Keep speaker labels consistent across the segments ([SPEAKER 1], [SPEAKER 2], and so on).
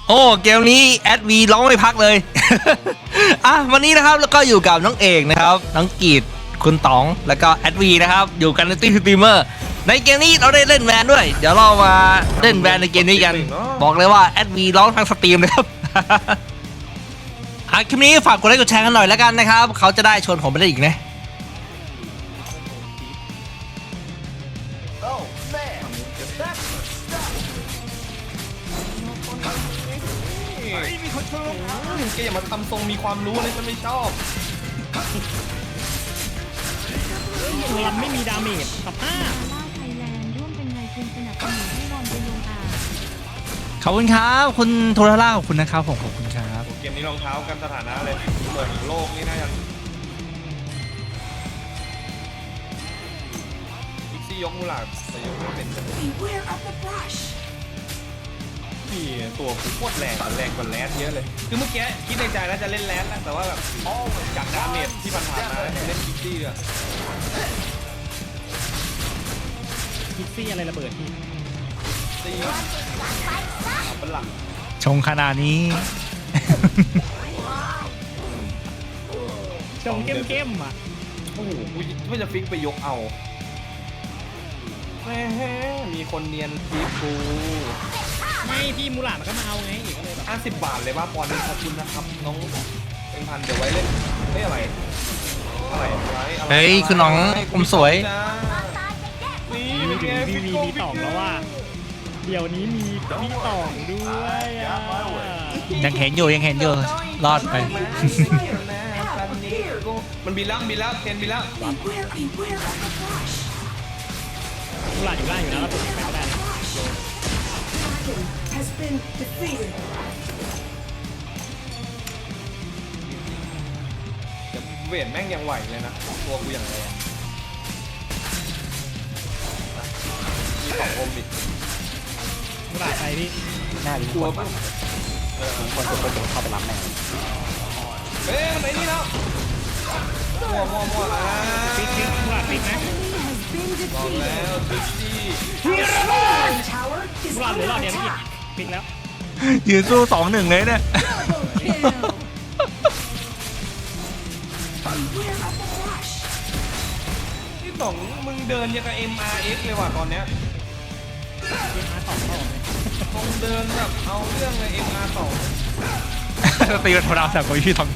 [SPEAKER 1] โอ้เกมนี้แอดวีร้องไม่พักเลย อ่ะวันนี้นะครับแล้วก็อยู่กับน้องเอกนะครับน้องกีดคุณต๋องแล้วก็แอดวีนะครับอยู่กันในตี้สตรีมเมอร์ในเกมนี้เราได้เล่นแวนด้วยเดี๋ยวเรามาเล่นแวนในเกมนี้กันบอกเลยว่าแอดวีร้องทางสตรีมเลยครับ คลิปนี้ฝากกดไลค์กดแชร์กันหน่อยแล้วกันนะครับเขาจะได้ชวนผมไปเล่นอีกนะ
[SPEAKER 2] มีคนชวนแกอย่ามาทำทรงมีความรู้เลยฉันไม่ชอบ
[SPEAKER 3] มันไม่มีดาเมจกับผ้า
[SPEAKER 4] ล่าไทยแลนด์ร่วมเป็นนายทุนสนับสนุนให้รอนไปลงอ่าง
[SPEAKER 1] ขอบคุณครับคุณโทรล่าขอบคุณนะครับผมขอบคุณครับ
[SPEAKER 2] เกมนี้รองเท้ากันสถานะเลยเหมือนโลกนี่น่าจะพิกซี่ยกมูหลาดแต่ยกไม่เป็นพี่ตัวกูโคตรแรงกว่าแรดเยอะเลยคือเมื่อกี้คิดในใจแล้วจะเล่นแรดแล้วแต่ว่าแบบจากดาเมจที่ผ่านๆมาเล่นพิกซี่อะ
[SPEAKER 3] พิกซี่อะไรระเบิดพี่
[SPEAKER 2] ตีเอาเป็นหลัก
[SPEAKER 1] ชงขนาดนี้
[SPEAKER 3] ชงเข้มๆอ่ะ
[SPEAKER 2] โอ้โหกูไม่จะฟิกไปยกเอาแม่มีคนเนียนฟิกกู
[SPEAKER 3] ไม่พี่มูหลาดมันก็มาเอาไงอีกก็เลยแบบ
[SPEAKER 2] 50 บาทเลยว่าปอนด์ขอบคุณนะครับน้องเป็นพันเดี๋ยวไว้เล่นไม่อะไรอะไรไว้อะไร
[SPEAKER 1] เฮ้ยคือน้องผมสวย
[SPEAKER 2] นี่
[SPEAKER 3] มีต่องแล้วว่าเดี๋ยวนี้มีต่องด้วยอ่ะ
[SPEAKER 1] ยังเห็นอยู่รอดไป
[SPEAKER 2] มันบินแล้วเทนบินแล้ว
[SPEAKER 3] มูหลาดอยู่ล่างอยู่นะแล้วผมไปไม่ได้นะ
[SPEAKER 2] เดี๋ยวเวทแม่งยังไหวเลยนะตัวกูอย่างไรมีของอมอีก
[SPEAKER 3] มูหลาดไปพี่
[SPEAKER 5] หน้าลิ้น
[SPEAKER 2] ตัว
[SPEAKER 5] คน
[SPEAKER 2] มัน
[SPEAKER 5] คนจะเข้าไปรับแม่
[SPEAKER 2] เฮ้ยมันไหนนี่แล้วมั่ว
[SPEAKER 3] ปิกมูหลาดปิกนะ
[SPEAKER 2] บอกแล้วทุกที่
[SPEAKER 3] มูหลาดเหลือหลอดเดียวพี่ปิกแล้ว
[SPEAKER 1] ยืนสู้2-1เลยเนี่ย
[SPEAKER 2] ที่สองมึงเดินยังกับ MRX เลยว่ะตอนเนี้ย
[SPEAKER 3] มาต่อเข้า
[SPEAKER 2] คงเดินแบบเอาเรื่องเลย MR2
[SPEAKER 1] ตีกันโทรดาวจากกับพี่ทอง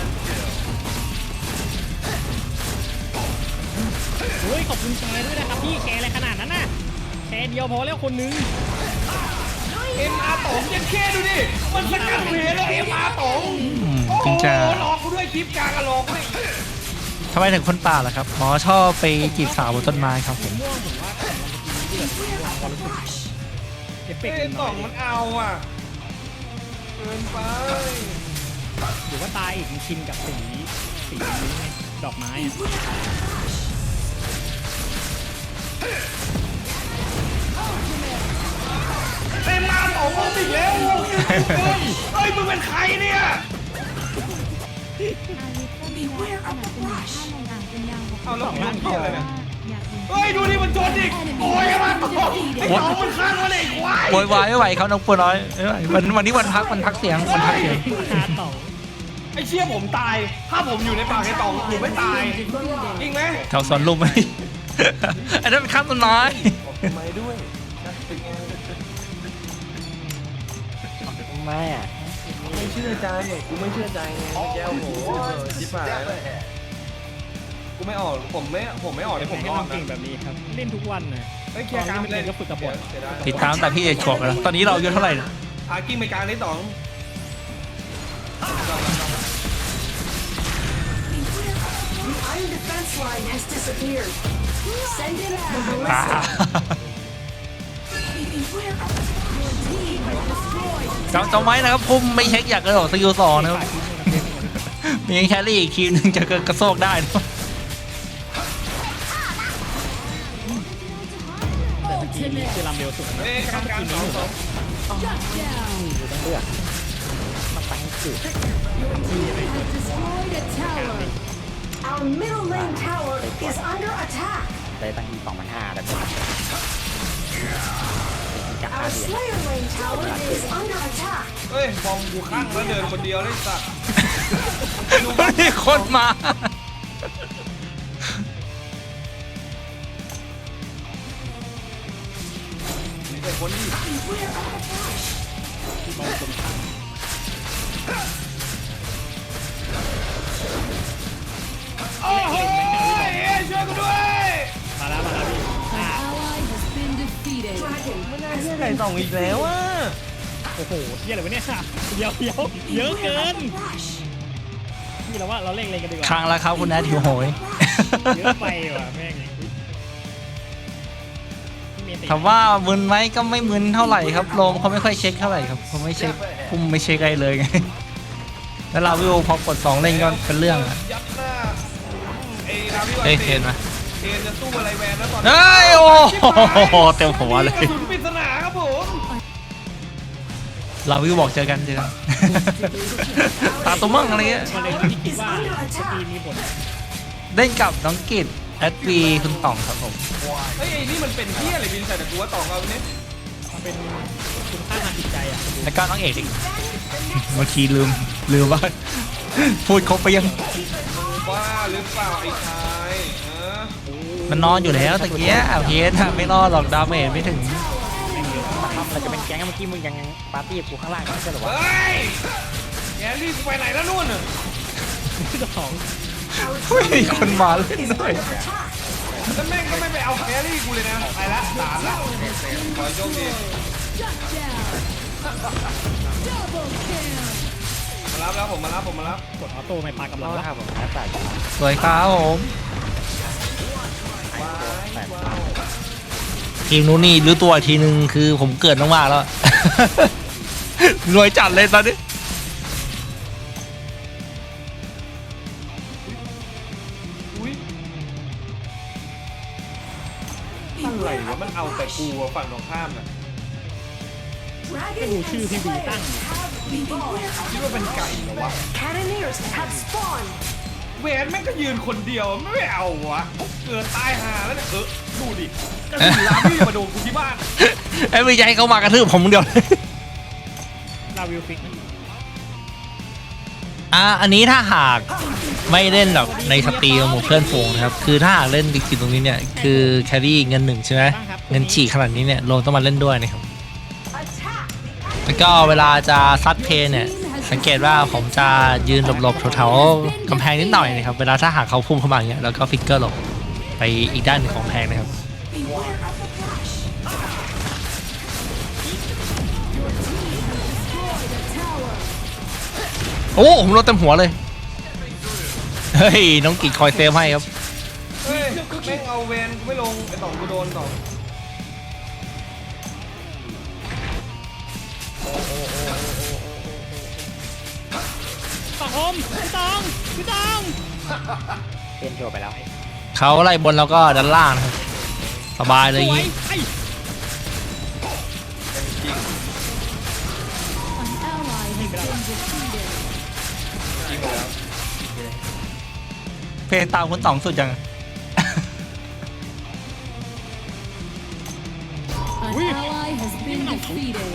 [SPEAKER 3] เฮ้ยขอบคุณแชร์ด้วยนะครับพี่แชร์อะไรขนาดนั้นน่ะแชร์เดียวพอแล้วคนนึง
[SPEAKER 2] MR2 ยังแค่ดูดิมันสกัดเพลแล้ว MR2 โอ้โห
[SPEAKER 1] จริงจ้า
[SPEAKER 2] หลอกกูด้วยคลิปกลางอะหลอกด้วย
[SPEAKER 1] ทำไมถึงคนป่าล่ะครับอ๋อชอบไปจีบสาวบนต้นไม้ครับผม
[SPEAKER 3] ม่วงผมว่าเดือดความรู้สึกเอฟเฟ
[SPEAKER 2] เฮ้
[SPEAKER 3] ก
[SPEAKER 2] ย
[SPEAKER 3] ต์
[SPEAKER 2] ต่องมันเอาอ่ะเกินไป
[SPEAKER 3] หรือว่าตายอีกชินกับสีนี้ไงดอกไม้อะ
[SPEAKER 2] MR2 งงอีกแล้วเฮ้ยมึงเป็นใครเนี่ย
[SPEAKER 4] อาลิฟก็มีแรงสนับสนุนค่าลงอ่างเป็นยาว6
[SPEAKER 2] เอาแล้วมึงยุ่งเกี่ยวอะไรเนี่ย
[SPEAKER 4] อยากเห็น
[SPEAKER 2] เฮ้ยดูดิมันจนอีกโอ้ยมันตกไอ้ต่องมันข้างมันเองควาย
[SPEAKER 1] โวยวายไม่ไหวเขาน้องปัวน้อยไม่ไหววันนี้วันพักเสียงวันพักเสียง
[SPEAKER 3] คาต่อ
[SPEAKER 2] ไอ้เชี่ยผมตายถ้าผมอยู่ในปากไอ้ต่องผมไม่ตายจริงไหม
[SPEAKER 1] แถวสวนลุมไหม อันนั้นเป็นข้ามต้นไม้
[SPEAKER 2] ทำไมด้วยเป็นไง
[SPEAKER 5] แม่
[SPEAKER 2] ไม่เชื่อใจเนี่ยกูไม่เชื่อใจไงแก้วโหชิบหายแล้วกูไม่ออกผมไม่ออกเลยผม
[SPEAKER 3] ให้
[SPEAKER 2] รอ
[SPEAKER 3] เรา
[SPEAKER 2] ด
[SPEAKER 3] เก่ง
[SPEAKER 2] นะ
[SPEAKER 3] แบบนี้ครับเล่นทุกวันนะ
[SPEAKER 2] เฮ้ยเคลียร์กลางไปเลย
[SPEAKER 3] ก็ฝึกกับบท
[SPEAKER 1] ติดตามแต่พี่เอกขวบแล้วตอนนี้เราอายุเท่าไหร่นะ
[SPEAKER 2] พากิ้งไปกลางได้สอง
[SPEAKER 1] อ่าจำไว้นะครับพุ่มไม่เช็คอยากกระโดดสกิล2นะครับ มีแครี่อีกทีมหนึงจะกระโซกได้นะ
[SPEAKER 3] แต่สกีนี้คือลำเร็วสุดนะ
[SPEAKER 2] เฮ้ยกลางสอง
[SPEAKER 5] อยู่ต้องเลือกมาตั้งจุด
[SPEAKER 6] Our middle lane tower is under attack.
[SPEAKER 5] ได้ตั้งที่2,500แต่เป็นจะ
[SPEAKER 6] Our Slayer lane tower is under attack.
[SPEAKER 2] เฮ้ยบอมกูข้างแล้วเดินคนเดียวได้สัก
[SPEAKER 1] มีคนมา
[SPEAKER 2] นี่เป็นคนที่
[SPEAKER 3] ที่บอลตรงข้าง
[SPEAKER 2] โอ้โหช่วยกูด้วย
[SPEAKER 3] มาแล้วพี่อ่า
[SPEAKER 4] Ally has been defeated.
[SPEAKER 2] ไก่ส่องอีกแล้วอ่ะ
[SPEAKER 3] โอ้โหเที่ยอะไรวะเนี่ยเยอะเยอะเกินพี่เราว่าเราเล่นอะไรกันดีกว่า
[SPEAKER 1] ครั้งแล้วครับคุณแอดหิวโหย
[SPEAKER 3] เยอะไปว่ะแม่งพี่เมย์ติ
[SPEAKER 1] ถามว่ามึนไหมก็ไม่มึนเท่าไหร่ครับโลมเขาไม่ค่อยเช็คเท่าไหร่ครับเขาไม่เช็คคุมไม่เช็คอะไรเลยไงแล้วเราวิวพอกด2เล่นก็เป็นเรื่องอะ
[SPEAKER 2] ยัดหน้าไอ้ราวิวั
[SPEAKER 1] เฮ้ย
[SPEAKER 2] น
[SPEAKER 1] เห็นไหม
[SPEAKER 2] เคนจะสู้อะไรแวนแล้วตอน
[SPEAKER 1] เฮ้ยโอ้โหเต็มหัวเลย
[SPEAKER 2] กระสุนปริศนาครับผม
[SPEAKER 1] เราวิวบอกเจอกันตาตัวมั่งอะไรเงี้ย
[SPEAKER 3] มันเลยที่คิดว่าทีมมีผล
[SPEAKER 1] เล่นกับน้องกิตแอดวีคุณต่องครับผม
[SPEAKER 2] เฮ้ยไอ้นี่มันเป็นเที่ยอะไรบินใส่แต่กูว่าต่องเอาเนี่ย
[SPEAKER 3] มันเป็นคุณค่าทางจิตใจอ่ะ
[SPEAKER 1] แล้วก็น้องเอกอีกบางทีลืมว่า พูดครบไปยัง
[SPEAKER 2] บ้าหรือเปล่าไอ้ชายฮะ
[SPEAKER 1] มันนอนอยู่แล้วตะเกียเพชรไม่รอดหรอกดาเมจไม่ถึง
[SPEAKER 5] มาทำอะไรจะเป็นแก๊งเมื่อกี้มึงยังปาร์ตี้กับกูข้างล่างไม่ใช่เหรอวะ
[SPEAKER 2] เฮ้ยแกรี่กูไปไหนแล้วนู่นน่ะ
[SPEAKER 3] ที่สอง
[SPEAKER 1] เฮ้ยมีคนมาเล่นด้วย
[SPEAKER 2] แล้วแม่งก็ไม่ไปเอาแครี่กูเลยนะไปละสามละขอโชคดีมารับแล้วผมมารับ
[SPEAKER 3] กดออโต้ไม่ปากับ
[SPEAKER 5] เรา
[SPEAKER 3] เรา
[SPEAKER 5] ละครับผมนะแต่
[SPEAKER 1] สวยครับผมทีมนู้นนี่รู้ตัวอีกทีนึงคือผมเกิดมากๆแล้ว รวยจัดเลยตอนนี้
[SPEAKER 2] อุ้ยอะไรวะมันเอาแต่กูอะฝั่งตรงข้ามน่ะ
[SPEAKER 3] ก็ดูชื่อพี่บีตั้ง
[SPEAKER 2] คิดว่าเป็นไก่เหรอวะ
[SPEAKER 6] Cannoneers have spawned.
[SPEAKER 2] เวนแม่งก็ยืนคนเดียวไม่เอาวะเกิดตายหาแล้วเนี่ยดูดิกระสุนล้ำที่มาโดนกูที่บ้าน
[SPEAKER 1] ไอ้ไม่ใจเขามากระทืบผมเดียวเลย
[SPEAKER 3] ลาวิวฟิกนะ
[SPEAKER 1] อันนี้ถ้าหากไม่เล่นแบบในสตรีมหมู่เพื่อนฝูงนะครับคือถ้าหากเล่นดิจิตตรงนี้เนี่ยคือแครี่เงิน1ใช่ไหมเงินฉีกขนาดนี้เนี่ยโลต้องมาเล่นด้วยนะครับ
[SPEAKER 6] Attack.
[SPEAKER 1] แล้วก็เวลาจะซัดเพย์เนี่ยสังเกตว่าผมจะยืนหลบๆแถวๆกำแพงนิดหน่อยนะครับเวลาถ้าหากเขาพุ่งเข้ามาอย่างเงี้ยแล้วก็ฟิกเกอร์หลบไปอีกด้านหนึ่งของกำแพงนะครับ
[SPEAKER 6] Beware of the flash.
[SPEAKER 1] โอ้ผมโดนเต็มหัวเลยเฮ้ยน้องกิจคอยเซฟให้ครับ
[SPEAKER 2] เฮ้ยแม่งเอาเวนกูไม่ลงไอ้ต่องกูโดนต่อง
[SPEAKER 3] สองคมพี่ตอง
[SPEAKER 5] เป็นโชว์ไปแล้ว
[SPEAKER 1] เขาไล่บนแล้วก็ด้านล่างนะครับสบายเลย
[SPEAKER 3] ส
[SPEAKER 1] อย่าง
[SPEAKER 3] วย
[SPEAKER 1] งี้
[SPEAKER 3] ไอ้
[SPEAKER 4] An ally has been defeated.
[SPEAKER 2] จริงแล้ว
[SPEAKER 1] เพย์ตามคุณต่องสุดจัง
[SPEAKER 4] An ally has been defeated.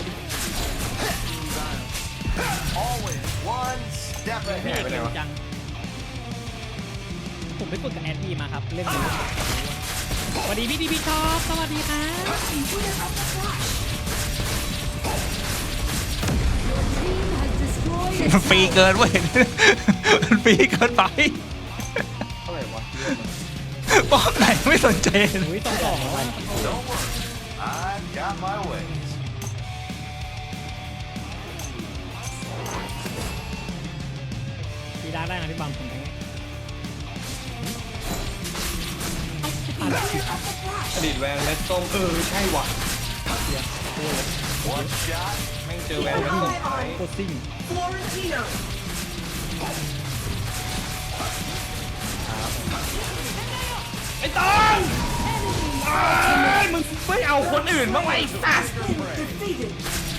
[SPEAKER 3] พี่เอกเก่งจังผมไปฝึกกับแอดบีมาครับเล่นนี้สวัสดีพี่ดีพี่ชอบสวัสดีครับ
[SPEAKER 6] Beware of the flash.
[SPEAKER 4] Team has destroyed
[SPEAKER 1] มันฟรีเกินเว้ย มันฟรีเกินไป
[SPEAKER 2] เท่าไหร่วะ
[SPEAKER 1] ป้อมไหนไม่สนใจ
[SPEAKER 3] อุ้ยต้องสอง
[SPEAKER 7] I've got my ways.
[SPEAKER 3] พี่ได้นะพี่บอมผมแทง
[SPEAKER 6] Beware of the flash.
[SPEAKER 2] อดีตแวนเม็ดส้มใช่ว่ะ
[SPEAKER 7] One shot.
[SPEAKER 2] แม่งเจอแวนเม็ดส้มไป
[SPEAKER 3] โคตรซิ่ง
[SPEAKER 6] Florentino.
[SPEAKER 2] ไอ้ตองมึงไม่เอาคนอื่นบ้างไหมไอ้สัส
[SPEAKER 6] Defeated.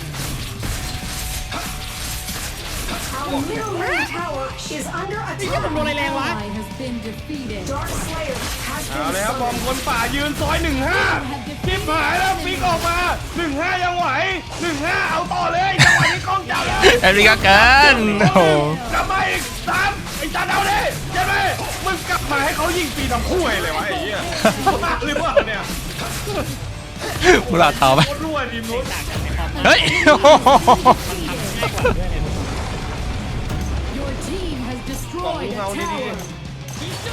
[SPEAKER 6] Our middle lane tower is under
[SPEAKER 3] ผมโดนอะไร
[SPEAKER 6] attack.
[SPEAKER 3] แรงวะ
[SPEAKER 4] ally has been defeated.
[SPEAKER 6] Dark Slayer has
[SPEAKER 2] เอา
[SPEAKER 6] been
[SPEAKER 2] เลยครับบอม
[SPEAKER 6] summoned.
[SPEAKER 2] คนป่ายืนซอย15ชิบหายแล้วฟิกออกมา15ยังไหว15เอาต่อเลยจังหวะนี้กล้องจับเลย
[SPEAKER 1] ดวีก็เกินโอ้โห
[SPEAKER 2] กลับมาอีกสามไอ้จานเอาดิเจ๊ไหมมึงกลับมาให้เขายิงปีน้ำคู่เลยวะไอ้เหี้ยบ้าหรือเปล่าเนี่ย
[SPEAKER 1] มุลาต่อไป
[SPEAKER 2] โคตรรั่วทีมนู้น
[SPEAKER 3] ต่างกันในความ
[SPEAKER 1] เฮ้ยโอ้โห
[SPEAKER 3] ง่ายกว่าด้วยเนี่ย
[SPEAKER 6] Your team has
[SPEAKER 2] บอก
[SPEAKER 6] destroyed
[SPEAKER 2] มึง
[SPEAKER 6] a
[SPEAKER 2] เอาดี
[SPEAKER 6] tower.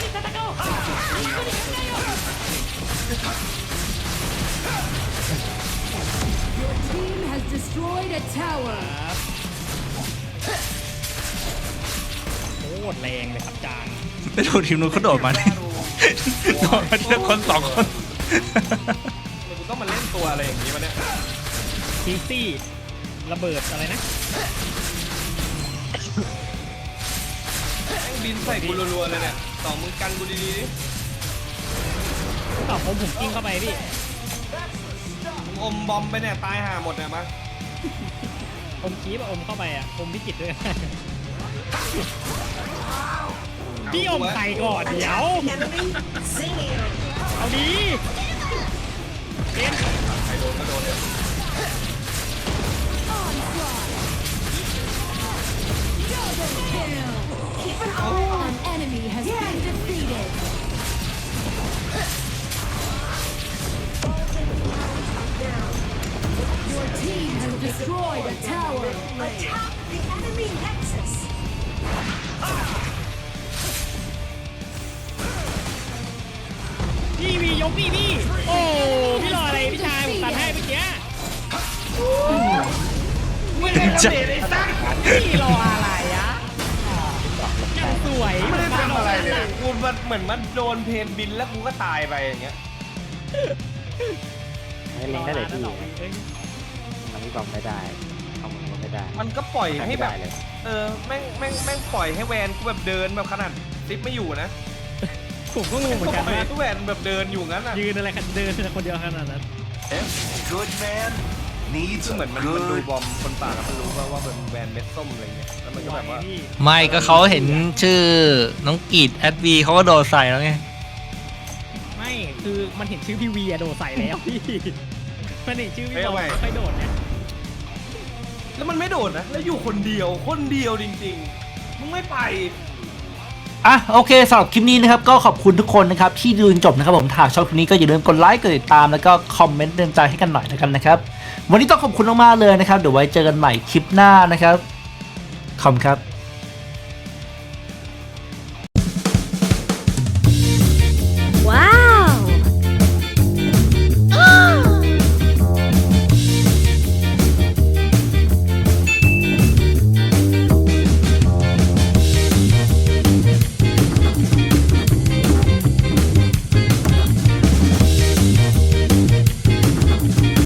[SPEAKER 6] Your team has destroyed a tower.
[SPEAKER 3] โคตรแรงเลยครับจาน
[SPEAKER 1] ไม่ดูทีมนู้นเขาโดดมาเนี่ยโดดมาทีละคนสองคน
[SPEAKER 2] ๆมึงต้องมาเล่นตัวอะไรอย่างนี้วะเนี่ย
[SPEAKER 3] ซีซี่ระเบิดอะไรนะ
[SPEAKER 2] แม่งบินใส่กูรัวๆเลยเนี่ยต่อมึงกันกูดีๆดิ
[SPEAKER 3] ตอบผมกิ้งเข้าไปพี่
[SPEAKER 2] มึงอมบอมไปเนี่ยตายห่าหมดเนี่ยมา
[SPEAKER 3] อมคีบอะอมเข้าไปอะอมพิจิตรด้วย พี่อมไข่ก่อนเดี๋ยว
[SPEAKER 6] Enemy singing.
[SPEAKER 3] เอาดีเอ็น
[SPEAKER 2] ใครโดนก็โดนเนี่ย
[SPEAKER 6] An enemy has been defeated. Your team has destroyed a tower. Attack the enemy nexus.
[SPEAKER 3] พี่วียกพี่พี่โอ้พี่รออะไรพี่ชายผมตัดให้เมื่อกี้
[SPEAKER 2] ไม่ได้ทำเดทไอ้สัก
[SPEAKER 3] พี่รออะไรอะยังสวย
[SPEAKER 2] ไม่ได้ทำอะไรเลยกูมันเหมือนมันโดนเพนบินแล้วกูก็ตายไปอย่างเงี้ย
[SPEAKER 5] ให้เล็งได้เลยพี่
[SPEAKER 3] เอ้ย
[SPEAKER 5] มันไม่บอมไม่ได้เอามือก็ไม่ได้
[SPEAKER 2] มันก็ปล่อยให้แบบ
[SPEAKER 5] ไม่ได้เลย
[SPEAKER 2] แม่งปล่อยให้แวนกูแบบเดินแบบขนาดซิปไม่อยู่นะ
[SPEAKER 3] ผมก็งงเหมือนกัน
[SPEAKER 2] ปล่อย
[SPEAKER 3] ว่า
[SPEAKER 2] ให้แวนแบบเดินอยู่งั้นอ่ะ
[SPEAKER 3] ยืนอะไรกันเดินคนเดียวขนาดนั้น
[SPEAKER 7] Every good man needs
[SPEAKER 2] คือ
[SPEAKER 7] a
[SPEAKER 2] เหมือนมันดู
[SPEAKER 7] good
[SPEAKER 2] บอมคนป่าแล้วมันรู้ว่าเป็นแวนเม็ดส้มอะไรเงี้ยแล้วมันก็แบบว่า
[SPEAKER 3] พี่
[SPEAKER 1] ไม่ก็เขาเห็นชื่อน้องกีดแอดวีเขาก็โดดใส่แล้วไง
[SPEAKER 3] ไม่คือมันเห็นชื่อพี่วีอะโดดใส่แล้วพี่มันเห็นชื่อพี่บอลไม่ค่อยโดดเนี่ย
[SPEAKER 2] แล้วมันไม่โดดนะแล้วอยู่คนเดียวจริงๆมึงไม่ไป
[SPEAKER 1] อ่ะโอเคสำหรับคลิปนี้นะครับก็ขอบคุณทุกคนนะครับที่ดูจนจบนะครับผมถ้าชอบคลิปนี้ก็อย่าลืมกดไลค์กดติดตามแล้วก็คอมเมนต์เตือนใจให้กันหน่อยนะครับวันนี้ต้องขอบคุณมากๆเลยนะครับเดี๋ยวไว้เจอกันใหม่คลิปหน้านะครับขอบคุณครับ